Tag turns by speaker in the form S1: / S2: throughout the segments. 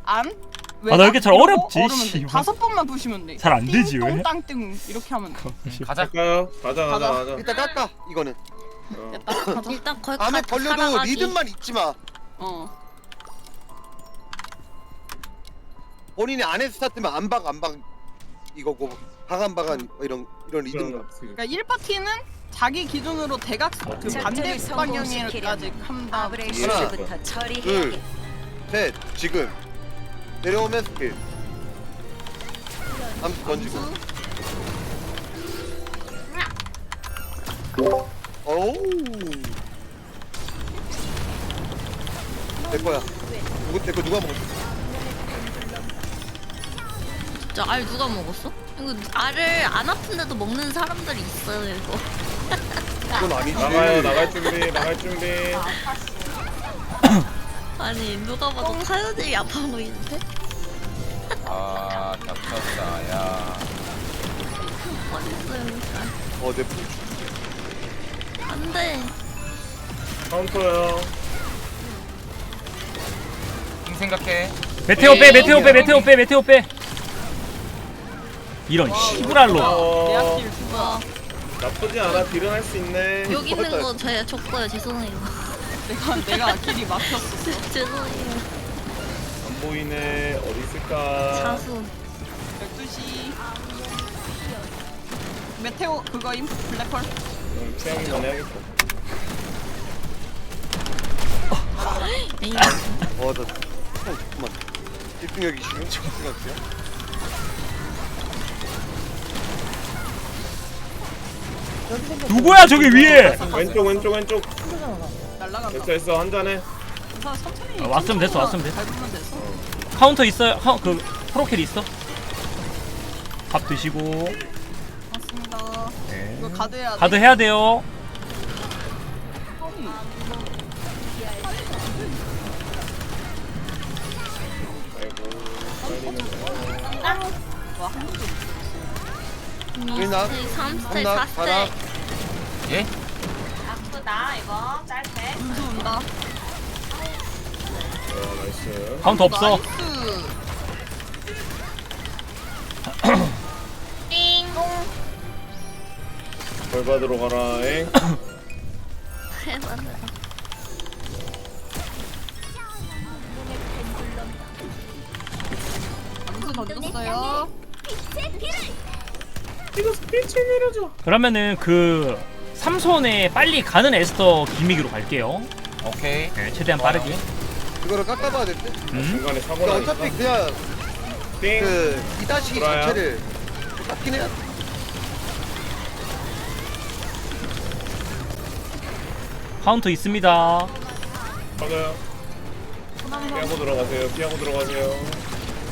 S1: 안.
S2: 나 왜 이렇게 잘 어렵지? 씨발.
S1: 5번만 부시면 돼.
S2: 잘 안 되지 왜?
S1: 똥땅띵 이렇게 하면 돼.
S3: 가자.
S4: 갈까요? 가자.
S5: 일단 깎아 이거는.
S1: 됐다. 가자.
S6: 일단 거기
S5: 암에
S6: 가
S5: 걸려도
S6: 살아가기.
S5: 리듬만 잊지 마. 본인이 안에 스타트면 안박 이거고 박안 이런 리듬감.
S1: 그러니까 1파티는 자기 기준으로 대각 그 반대 방향까지 한 다음.
S5: 아브레이시부터 둘, 셋, 지금 내려오면 스킬. 암수 던지고. 오우. 내 거야. 내거 누가 먹었어?
S6: 진짜 알 누가 먹었어? 이거 알을 안 아픈데도 먹는 사람들이 있어요 이거.
S5: 그건 아니지.
S4: 나갈 준비.
S6: 아니 누가 봐도 카요들이 아파 보이는데?
S3: 아, 겹쳤다. 야.
S6: 어딨어요 일단.
S5: 내 푸.
S6: 안돼.
S4: 카운터요.
S3: 킹 생각해.
S2: 메테오 빼. 이런 시부랄로.
S1: 대학길
S6: 뭐야?
S4: 나쁘지 않아. 딜은 할 수 있네.
S6: 여기 있는 거 제가 줬어요. 죄송해요.
S1: 내가 길이 막혔었어.
S6: 죄송해요.
S4: 안 보이네. 어디 있을까?
S6: 자수.
S1: 12시. 메테오 그거임 블랙홀.
S4: 취향이만 해야겠다.
S6: 에이.
S5: 나 잠깐만. 집중력이 지금 집중력이야?
S2: 누구야 저기 위에?
S4: 왼쪽.
S1: 날라간다.
S4: 됐어. 한 잔해.
S1: 우선 천천히.
S2: 왔으면 됐어.
S1: 밟으면 됐어.
S2: 카운터 있어요. 그 프로켈 있어. 밥 드시고.
S1: 맞습니다.
S2: 네.
S1: 이거 가드 해야 돼.
S2: 가드 해야 돼요.
S1: 와, 한 번도
S5: 우리나?
S6: 3스택
S5: 한나?
S6: 4스택.
S3: 예?
S7: 아프다 이거 짧게.
S1: 운수 온다.
S4: 나이스.
S2: 카운터 없어.
S1: 나이스.
S7: 띵.
S4: 벌 받으러 가라. 엥.
S6: 해봤네.
S1: 운수 던졌어요.
S2: 그러면은 그 삼손에 빨리 가는 에스터 기믹으로 갈게요.
S3: 오케이.
S2: 네, 최대한
S3: 좋아요.
S2: 빠르게.
S5: 이거를 깎아봐야 될 때.
S4: 중간에 사고
S5: 그러니까
S4: 나니까.
S5: 어차피 그냥
S4: 띵.
S5: 그 2-2
S4: 돌아요.
S5: 자체를 깎긴 해야 돼.
S2: 카운터 있습니다.
S4: 맞아요. 피하고 들어가세요.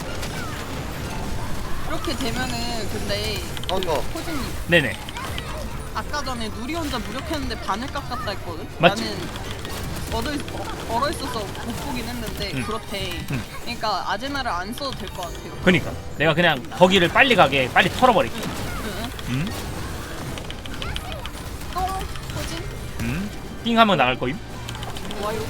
S1: 이렇게 되면은 근데
S5: 카운터.
S1: 호진님
S2: 네네.
S1: 아까 전에 누리 혼자 무력했는데 반을 깎았다 했거든?
S2: 맞지?
S1: 나는 얼어 있어서 못 보긴 했는데 그렇대. 그러니까 아제나를 안 써도 될 것 같아요.
S2: 그니까 내가 그냥 거기를 빨리 가게 빨리 털어버릴게.
S1: 응. 똥 호진
S2: 띵 하면 나갈 거임.
S1: 좋아요.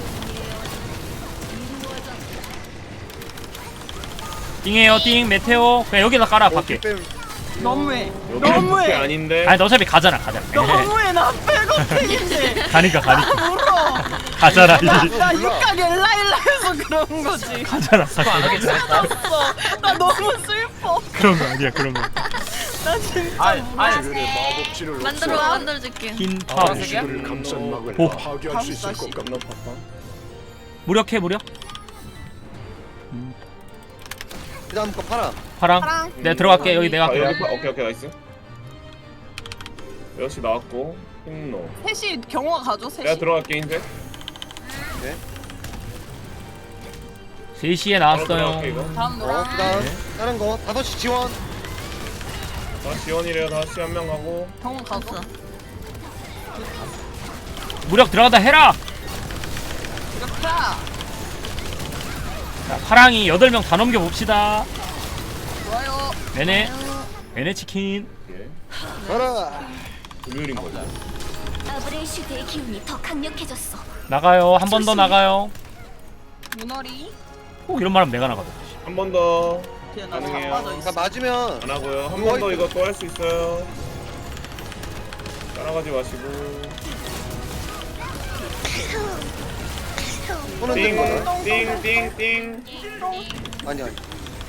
S2: 띵해요 띵 메테오. 그냥 여기다 깔아 밖에.
S1: 너무해.
S4: 여기
S1: 너무해.
S4: 아닌데.
S2: 아니 너 어차피 가잖아.
S1: 너무해. 나 백업팩인데.
S2: 가니까
S1: 울어.
S2: 가잖아.
S1: 나 육각 엘라엘라해서 그런 거지.
S2: 가잖아.
S3: 안 하겠지.
S1: 알았어. 나 너무 슬퍼.
S2: 그런 거 아니야 그런 거.
S1: 나 진짜
S6: 만들어줄게.
S2: 흰 파워.
S3: 파란색이야?
S2: 보.
S1: 다시.
S4: 겁나 바빠.
S2: 무력해 무력.
S5: 그 다음 거 파라.
S2: 파랑.
S1: 파랑.
S2: 내가 들어갈게. 여기 내가
S4: 여기
S2: 할게.
S4: 오케이 나이스. 역시 나왔고 흰노.
S1: 셋이 경호가 가죠.
S4: 내가
S1: 셋이.
S4: 들어갈게 이제.
S2: 3시에
S4: 들어갈게,
S2: 나왔어요.
S4: 이거.
S1: 다음 노랑.
S5: 그 다음 다른 거 5시 지원.
S4: 다 지원이래요. 다시 한 명 가고.
S1: 경호 가죠.
S2: 무력 들어가다 해라.
S1: 이렇게.
S2: 자, 파랑이 8명 다 넘겨봅시다.
S1: 좋아요.
S2: 네네. 네네 치킨.
S4: 예.
S5: 가라.
S4: 금요일인 거죠.
S7: 아브레이슈드의 기운이 더 강력해졌어.
S2: 나가요. 한 번 더 나가요.
S1: 문어리.
S2: 꼭 이런 말 하면 내가 나가자.
S4: 한 번 더.
S1: 그냥 나
S4: 가능해요.
S1: 자빠져
S5: 그러니까
S1: 있어.
S5: 맞으면
S4: 안 하고요. 한 번 더 이거 또 할 수 있어요. 따라가지 마시고.
S5: 손 흔드는 거야.
S4: 띵띵띵띵.
S5: 아니 아니.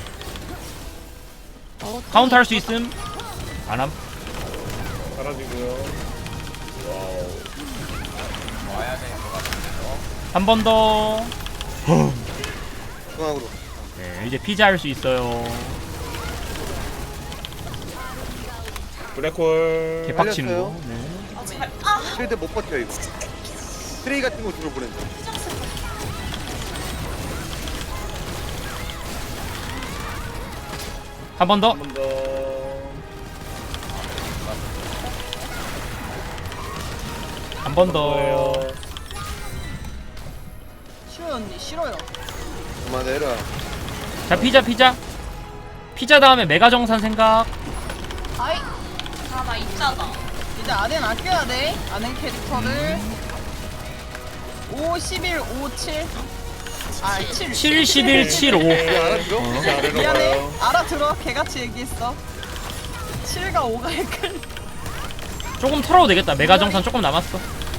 S2: 카운터 할 수 있음. 안함.
S4: 사라지고요. 와우.
S3: 와야 될 것 같은데요.
S2: 한 번 더.
S5: 중앙으로.
S2: 네, 이제 피자 할 수 있어요.
S4: 블랙홀.
S2: 개빡치는 거.
S5: 살렸어요?
S2: 네.
S5: 실드 못 버텨 이거. 트레이 같은 거 주로 보낸다.
S2: 한 번 더.
S4: 한 번 더.
S2: 한 번 더.
S4: 더예요.
S1: 싫어요 언니 싫어요.
S5: 그만해라.
S2: 자, 피자. 피자 다음에 메가 정산 생각.
S1: 아이
S7: 아나 입자다.
S1: 이제 아덴 아껴야 돼. 아덴 캐릭터를 5, 11, 5, 7. 아 7.
S2: 7, 11, 7, 5.
S5: 이거 알아들어?
S4: 이제 아래로
S1: 미안해.
S4: 가요.
S1: 알아들어. 개같이 얘기했어. 7과 5가 헷갈려.
S2: 조금 털어도 되겠다. 메가 정산 조금 남았어.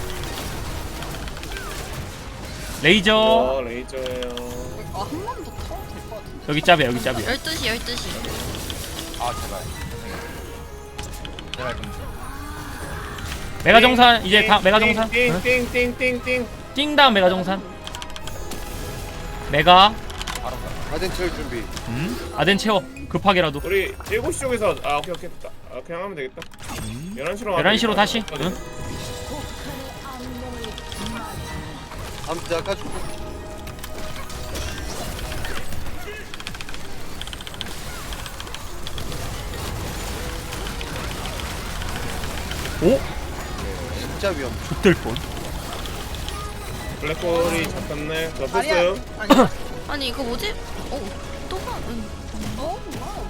S2: 레이저.
S4: 레이저예요.
S1: 한 번 더 타도 될 것 같은데.
S2: 여기 짭이야, 여기 짭이야.
S6: 12시 12시.
S3: 아 제발. 제발 좀.
S2: 메가 정산 이제 다 메가 정산. 응?
S4: 띵띵띵띵띵.
S2: 띵 다음 메가 정산. 메가.
S3: 바로 가.
S5: 아덴 채울 준비.
S2: 아덴 채워. 급하게라도.
S4: 우리 7시 쪽에서 오케이 됐다. 그냥 하면 되겠다. 11시로
S2: 11시로 다시. 응?
S5: 아무튼 아까 주
S2: 오?
S5: 진짜 위험.
S2: 좆될 뻔.
S4: 블랙홀이 잡혔네. 저
S1: 아니야.
S4: 뺐어요.
S1: 아니야.
S6: 아니 이거 뭐지? 또 가.
S1: 어? 와우.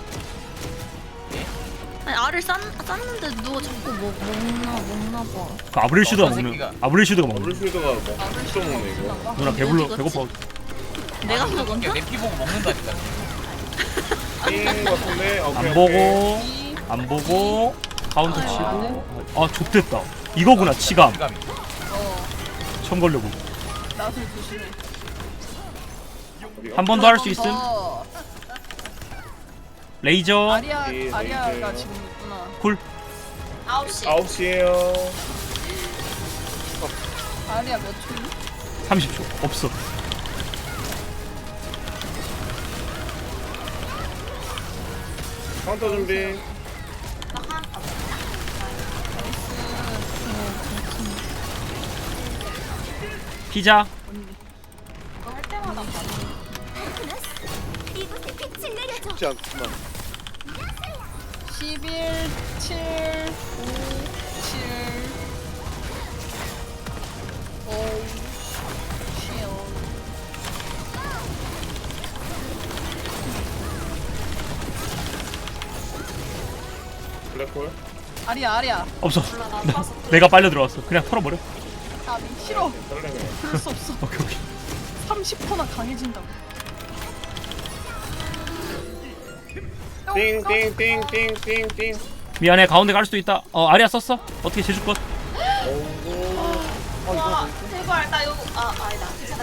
S6: 아니 알을 쌌는데 누가 자꾸 먹나 봐.
S2: 그 아브렐슈드가
S3: 어떤
S2: 먹는.
S3: 새끼가.
S2: 아브렐슈드가 먹는.
S4: 블루쉴드가 뭐 진짜 먹네 이거.
S2: 누나 배불러
S6: 어디
S2: 배고파.
S6: 내가
S3: 아니,
S6: 먹었나?
S3: 내피 보고 먹는다니까.
S4: 띵 같은데. 오케이,
S2: 안
S4: 오케이.
S2: 보고 안 보고 카운터 치고. 아 좆됐다. 이거구나 치감.
S3: 감이.
S2: 처음 걸려고.
S1: 나도 조심해.
S2: 한 번 더 할 수 있음.
S1: 더.
S2: 레이저.
S1: 아리아가
S4: 레이저예요.
S1: 지금 있구나.
S2: 쿨.
S7: 9시.
S4: 9시에요.
S1: 아리아 몇 초니?
S2: 30초. 없어.
S4: 카운터 준비.
S2: 피자.
S7: 할 때마다
S8: 이곳에 빛을 내려줘.
S5: 쉽지 않구만.
S1: 11, 7, 5, 7. 5, 7.
S4: 블랙홀.
S1: 아리아.
S2: 없어. 내가 빨려 들어왔어. 그냥 털어버려.
S1: 아, 싫어.
S4: 설레네.
S1: 그럴 수 없어.
S2: 오케이 오케이.
S1: 30%나 강해진다고.
S4: 띵띵띵띵띵띵.
S2: 미안해 가운데 갈 수도 있다. 아리아 썼어. 어떻게 제주 것.
S7: 와 제발 나 이거 아니다. 괜찮아.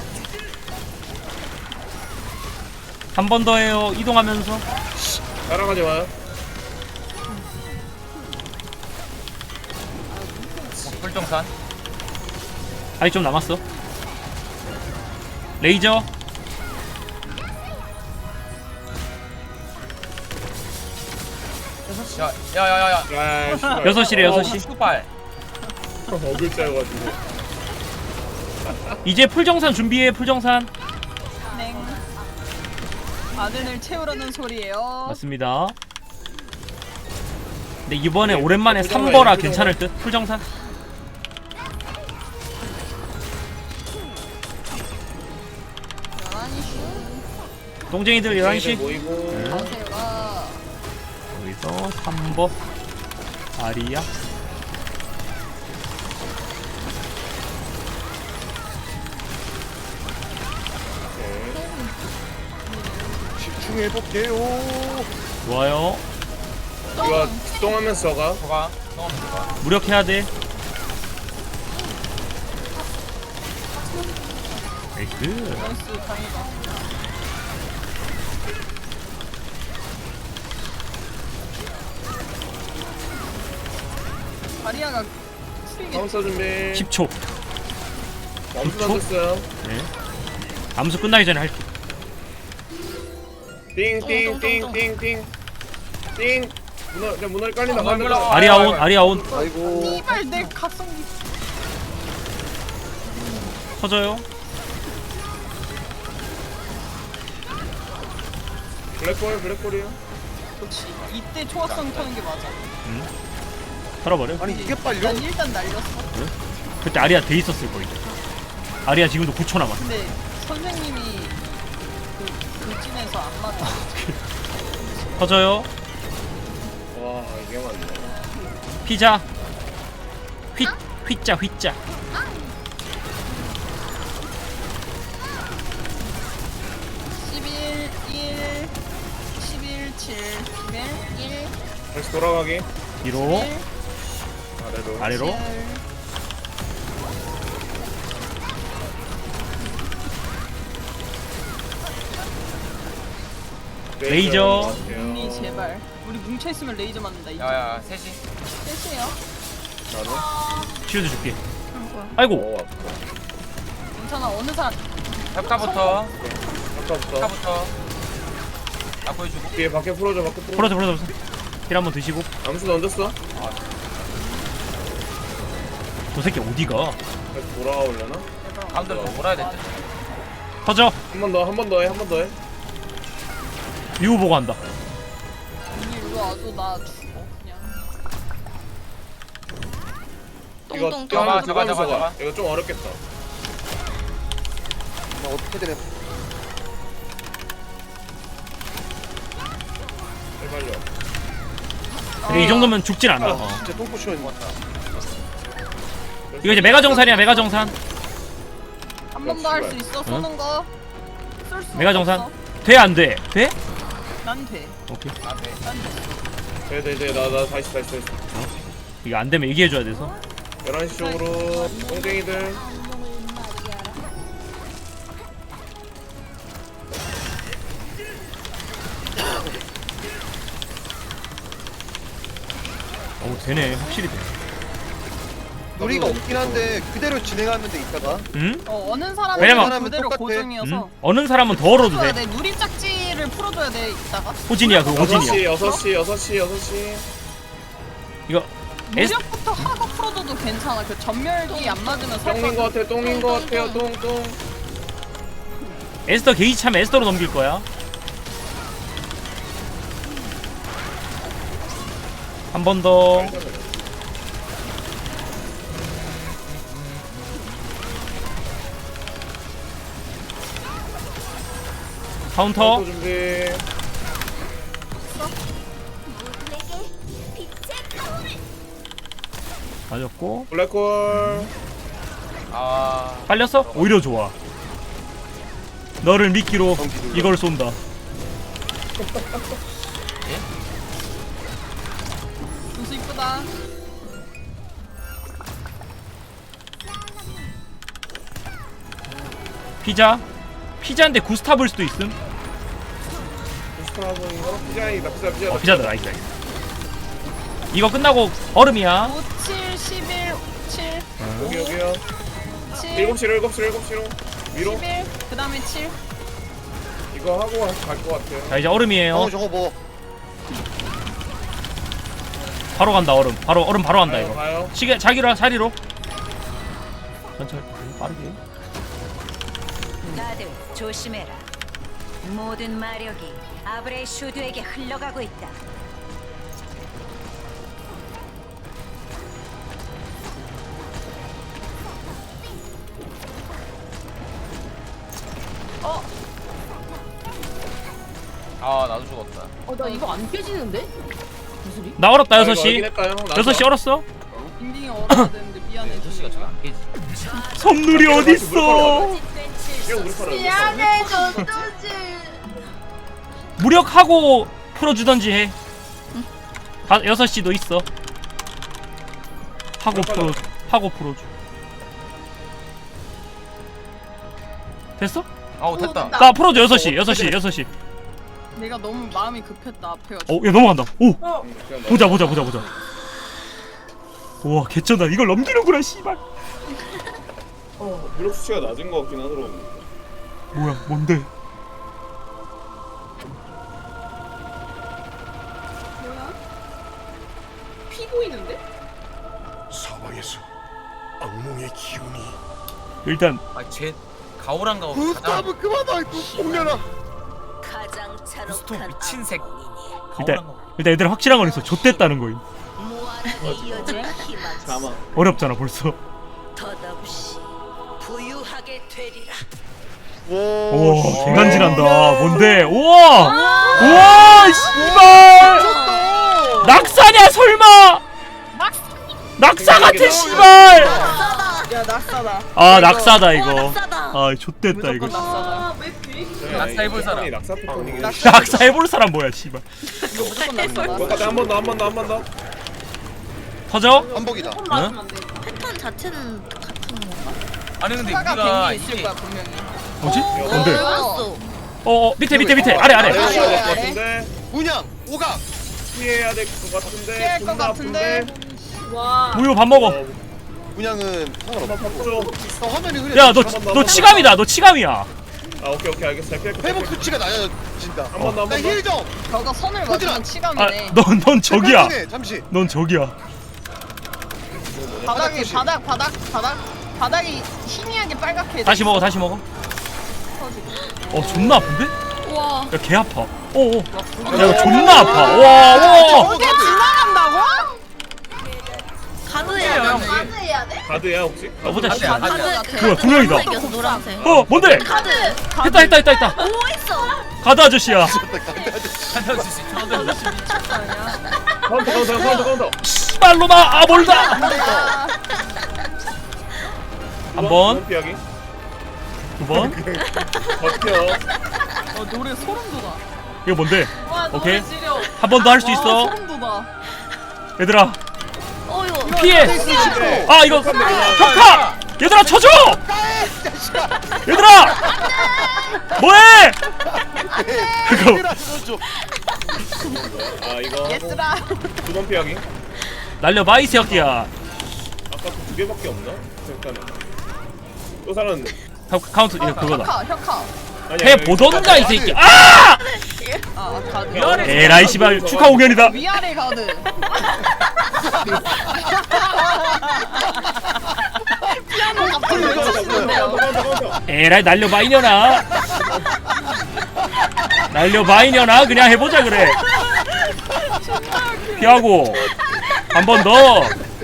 S2: 한 번 더 해요. 이동하면서.
S4: 따라가지 마요.
S3: 불정산.
S2: 아직 좀 남았어. 레이저.
S3: 야야야야.
S4: 아, 씨발.
S2: 6시래 6시.
S3: 슈발.
S4: 어글자여가지고.
S2: 이제 풀정산 준비해. 풀정산.
S1: 네. 아덴을 채우라는 소리예요.
S2: 맞습니다. 근데 이번에 오랜만에 3버라 괜찮을 듯. 풀정산. 동쟁이들 11시.
S4: 모이고.
S1: 가세요가
S2: 여기서 3버. 아리아.
S5: 대충 해볼게요.
S2: 좋아요.
S4: 이거 수동하면서 저가.
S3: 저가 성함 저가.
S2: 무력해야 돼. 나이스.
S1: 나이스 다행이다. 다리아가 풀이겠지.
S4: 카운터 준비.
S2: 10초.
S4: 암수
S2: 10초?
S4: 던졌어요.
S2: 네. 암수 끝나기 전에 할게.
S4: 띵띵띵띵띵. 띵. 문어 깔린다.
S3: 물러.
S2: 아리아온, 아리아온.
S5: 아이고.
S1: 이발 내 각성기.
S2: 터져요.
S4: 블랙홀이요.
S1: 그렇지. 이때 초각성 터는 게 맞아.
S2: 털어버려.
S5: 아니 이게 빨려?
S1: 난 일단 날렸어.
S2: 그때 아리아 돼 있었을 거예요. 아리아 지금도 9초 남았어.
S1: 근데 선생님이 그 돌진해서 안 맞아.
S2: 터져요.
S4: 와 이게 맞네.
S2: 피자. 휘자 휘자.
S4: 다시 돌아가기.
S2: 뒤로
S4: 아래로.
S2: 아래로. 레이저.
S1: 언니 제발. 우리 뭉쳐 있으면 레이저 맞는다. 이제.
S3: 야야 셋이.
S1: 셋이에요.
S2: 쉴드 줄게. 아이고.
S1: 괜찮아. 어느 사람
S3: 탑타부터.
S4: 아까부터.
S3: 탑부터. 나 보여주고.
S4: 뒤에 밖에 풀어줘.
S2: 풀어줘. 힐 한번 드시고.
S4: 암수 던졌어.
S2: 저 새끼 어디가?
S4: 다시 돌아오려나?
S3: 가운데로 몰아야 될 듯.
S2: 터져.
S4: 한 번 더 해.
S2: 미우 보고 한다.
S1: 언니 일로 와줘. 나 죽어 그냥.
S4: 이거
S6: 똥똥
S3: 잡아,
S4: 뛰어가면서
S3: 잡아,
S4: 가.
S3: 잡아.
S4: 이거 좀 어렵겠다.
S5: 나 어떻게든 해.
S4: 빨려.
S2: 근데 이 정도면 죽진 않아. 어.
S5: 진짜 똥꼬치는
S2: 이거 이제 메가 정산이야. 메가 정산.
S1: 한 번 더 할 수 있어. 쏘는 거. 쏠수
S2: 메가 정산. 돼 안 돼? 돼?
S1: 난 돼.
S2: 오케이.
S3: 안 돼.
S1: 난 돼.
S4: 네. 나 다시.
S2: 이거 안 되면 얘기해 줘야 돼서.
S4: 11시 쪽으로 똥쟁이들.
S2: 되네. 확실히 되네.
S5: 우리가 없긴 한데 그대로 진행하면 돼 이따가.
S2: 응?
S1: 어는 사람은
S2: 왜냐면-
S1: 그대로
S5: 똑같아.
S1: 고정이어서.
S2: 어느 사람은 더 얼어도
S1: 풀어야
S2: 돼.
S1: 돼. 누리 짝지를 풀어줘야 돼 이따가.
S2: 호진이야. 그거 호진이야.
S4: 6시.
S2: 이거 에스
S1: 무력부터 하고 풀어줘도 괜찮아. 그 전멸기 안 맞으면
S4: 똥인 거 같아요. 똥.
S2: 에스더 게이지 차면 에스더로 넘길 거야. 한 번 더. 카운터.
S4: 준비.
S2: 맞았고.
S4: 블랙홀.
S3: 아.
S2: 빨렸어? 오히려 좋아. 너를 미끼로 이걸 쏜다.
S1: 분수 이쁘다.
S2: 피자인데 구스타브일 수도 있음.
S4: 스타브인가? 피자이다.
S2: 피자다. 나이스. 이거 끝나고 얼음이야.
S1: 5, 7, 11, 7,
S4: 여기요.
S1: 7,
S4: 7시로 위로.
S1: 11, 그 다음에 7.
S4: 이거 하고 갈 것 같아요.
S2: 자 이제 얼음이에요.
S5: 저거 뭐
S2: 바로 간다 얼음. 얼음 바로 간다 이거.
S4: 가요.
S2: 시계 자리로. 천천히 빠르게.
S8: 다들 조심해라. 모든 마력이 아브레 슈드에게 흘러가고 있다.
S3: 아 나도 죽었다.
S9: 나 이거 안 깨지는데?
S2: 나 얼었다
S4: 아, 이거
S2: 6시.
S4: 확인할까요?
S2: 6시 얼었어?
S1: 빈딩이 얼어야 되는데 미안해.
S3: 6시가 저기 안 깨지.
S2: 섬누리 어딨어?
S4: 이거 우리 팔아.
S7: 미안해, 저
S2: 무력하고 풀어주던지 해. 6시도 있어. 하고 풀어줘. 됐어?
S3: 아우 됐다.
S2: 나 풀어줘. 6시.
S1: 내가 너무 마음이 급했다 앞에가.
S2: 야 넘어간다. 오
S4: 그냥
S2: 보자. 우와 개쩐다. 이걸 넘기는구나 씨발.
S4: 무력 수치가 낮은 것 같긴 하더라고.
S2: 뭐야 뭔데?
S7: 뭐야? 피 보이는데?
S9: 사방에서 악몽의 기운이
S2: 일단
S3: 아쟤 가오랑 가오
S5: 구스타브 그만아 공룡아.
S8: 가장
S3: 구스토
S8: 잔혹한
S3: 미친 새.
S2: 일단
S3: 가오랑 가오.
S2: 애들 확실한 건 있어. 좆됐다는 거임.
S8: 무한에 이어질 희망
S4: 자마.
S2: 어렵잖아 벌써.
S8: 덧없이 부유하게 되리라.
S2: 우와 개간지난다. 뭔데? 우와 씨발. 낙사냐 설마? 낙사 같은 씨발.
S1: 야 낙사다.
S2: 아 낙사다 이거.
S6: 낙사다.
S2: 아 좆됐다 이거.
S1: 무조건 낙사다.
S7: 아왜 되게
S3: 낙사 해볼 사람.
S4: 낙사 패턴이긴 해.
S2: 낙사 해볼 사람 뭐야 씨발.
S1: 무조건 낙사다.
S4: 여기까지 한 번 더.
S2: 터져?
S5: 반복이다.
S7: 맞으면 안 돼.
S6: 패턴 자체는 같은 건가?
S3: 아니 근데
S1: 추가가
S3: 우리가
S1: 된게 있을
S3: 이게
S1: 거야 분명히.
S2: 뭐지? 뭔데?
S6: 몰랐어.
S2: 밑에 아래.
S4: 피해야 될 것 같은데.
S5: 문양 오각.
S4: 피해야 될 것 같은데.
S1: 피할 것
S4: 존나
S1: 같은데.
S4: 아픈데.
S7: 와.
S2: 우유 밥 먹어.
S5: 문양은
S4: 한번
S5: 상관없고.
S4: 바꾸죠.
S5: 화면이 흐려.
S2: 야 너 치감이다. 너 치감이야.
S4: 아 오케이 알겠어. 잘 피할 거.
S5: 회복 수치가 낮아진다.
S4: 한 번 더.
S5: 나힐 좀.
S1: 저거 선을
S5: 터지라.
S1: 맞으면 치감이네.
S2: 넌 적이야.
S5: 잠시.
S2: 넌 적이야.
S1: 바닥이 바닥이 희미하게 빨갛게.
S2: 다시 먹어. 존나 아픈데?
S6: 우와.
S2: 야 개 아파. 야 이거 존나 아파. 와.
S1: 저게 지나간다고?
S6: 가드야.
S7: 해야 돼?
S4: 가드야 혹시?
S2: 보자 씨.
S3: 가드.
S6: 가드.
S2: 뭐야, 두 명이다.
S6: 이겨서 노란색.
S2: 뭔데?
S7: 카드.
S2: 했다.
S6: 오 있어.
S2: 가드 아저씨야.
S3: 한명 주시. 저도 주시.
S4: 카운터.
S2: 씨발로마 멀다. 한 번,
S4: 피하기.
S2: 두 번.
S4: 버텨.
S1: 노래 소름 돋아.
S2: 이거 뭔데?
S7: 와
S2: 오케이.
S7: 너무 지려.
S2: 한 번 더 할 수 있어.
S1: 소름 돋아.
S2: 얘들아
S6: 이거.
S2: 피해. 아 이거 혁카. 얘들아 쳐줘. 얘들아 뭐해? 그거
S4: 아 이거 하고
S1: 예스라.
S4: 2번 피하기.
S2: 날려봐 이 새끼야.
S4: 아까 2개밖에 없나? 잠깐만. 또 사람
S2: 카운트 이거 그거다.
S1: 혁카.
S2: 해 보던가 이 새끼. 아!
S1: 가드.
S2: 에라이 씨발 축하 공연이다.
S1: 위아래 가드. 피아노 갑자기 왜 치시는데요?
S2: 에라이 날려봐 이년아. 날려봐 이년아. 그냥 해보자 그래. 피하고 한 번 더.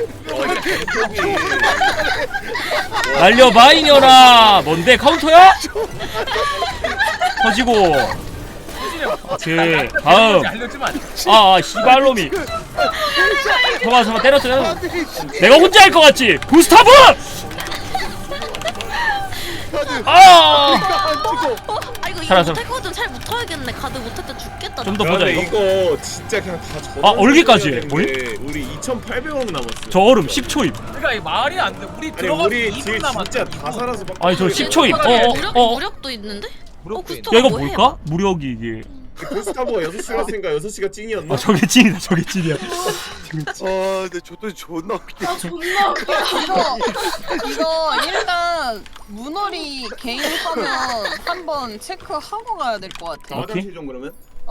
S2: 날려봐 이년아. 뭔데 카운터야? 터지고. 오케이 다음.
S3: 알려주면
S2: 씨발놈이. 잠깐만 때렸어. 내가 혼자 할 것 같지? 구스타브!
S6: 아 이거
S2: 살았어.
S6: 못했거든. 잘 못하겠네. 가드 못했다 죽겠다.
S2: 좀 더 보자 이거.
S4: 이거 진짜 그냥 다 저.
S2: 얼기까지 해.
S4: 우리 2,800원 남았어.
S2: 저 얼음 10초임.
S3: 그러니까 이 말이 안 돼. 우리
S4: 아니
S3: 들어가
S4: 우리
S3: 2분
S4: 딜
S3: 남았어.
S4: 진짜 다 살아서.
S2: 아니 저 10초임.
S6: 무력도 있는데?
S3: 무력도
S6: 구스토가
S2: 야 이거
S6: 뭐 해,
S2: 뭘까? 무력이 이게.
S4: 보스타버가 6시 갔으니까 6시가 찐이었나?
S2: 저게 찐이다. 저게 찐이야.
S5: 근데 저도 존나 웃기게.
S7: 아 존나 웃겨.
S1: 이거 일단 문어리 개인 하면 한번 체크하고 가야 될 것 같아.
S2: 오케이.
S4: 화장실 좀 그러면?